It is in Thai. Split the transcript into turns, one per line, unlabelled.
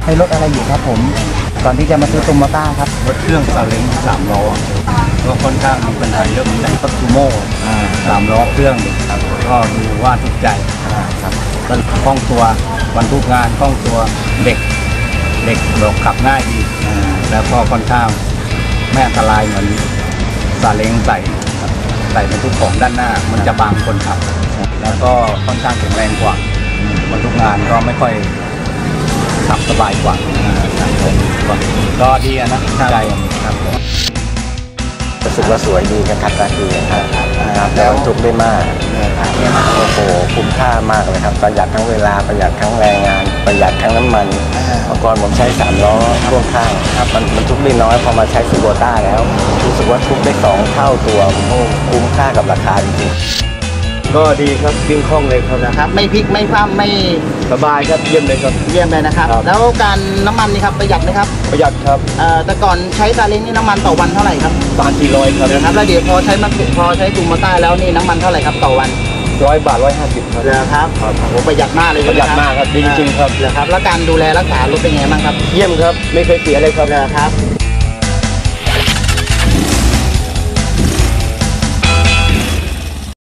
ช้รถอะไรอยู่ครับผมก่อนที่จะมาซื้อโตโยต้าครับ
รถเครื่องซาเล้ง3 ล้อก็ค่อนข้างมีปัญหาเยอะเหมือนกันรถซูโม่3 ล้อเครื่องครับก็ดูว่าถูกใจครับก็คล่องตัวบรรทุกงานคล่องตัวเด็กบอกขับง่ายดีแล้วก็ค่อนข้างไม่อันตรายเหมือนซาเล้งใส่บรรทุกของด้านหน้ามันจะบังคนขับแล้วก็ค่อนข้างแข็งแรงกว่าบรรทุกงานก็ไม่ค่อยขับสบายกว่าก็ดีนะใจครับ
รู้สึกว่าสวยดีนะครับตาดีครับแล้วจุกได้มากโอ้โหคุ้มค่ามากเลยครับประหยัดทั้งเวลาประหยัดทั้งแรงงานประหยัดทั้งน้ำมันเมื่อก่อนผมใช้3 ล้อพ่วงข้างมันทุกได้น้อยพอมาใช้ซูโบต้าแล้วรู้สึกว่าทุกได้2 เท่าตัวคุ้มค่ากับราคาจริง
ก็ดีครับวิ่งคล่องเลยครับ
นะครับไม่พลิกไม่คว่ำไม่
สบายครับเยี่ยมเลยครับ
เยี่ยมเลยนะครับแล้วการน้ำมันนี่ครับประหยัดไหมครับ
ประหยัดครับ
แต่ก่อนใช้ซาเล้งนี่น้ำมันต่อวันเท่าไหร่ครับ
300-400ครับ
นะครับแล้วเดี๋ยวพอใช้ตูโมต้าแล้วนี่น้ำมันเท่าไหร่ครับต่อวัน
100 บาท150ครับ
ครับโอ้ประหยัดมากเลย
ประหยัดมากครับจริงๆครับ
แล้วการดูแลรักษารถเป็นไงบ้างครับ
เยี่ยมครับไม่เคยเสียเลยครับ
ครับ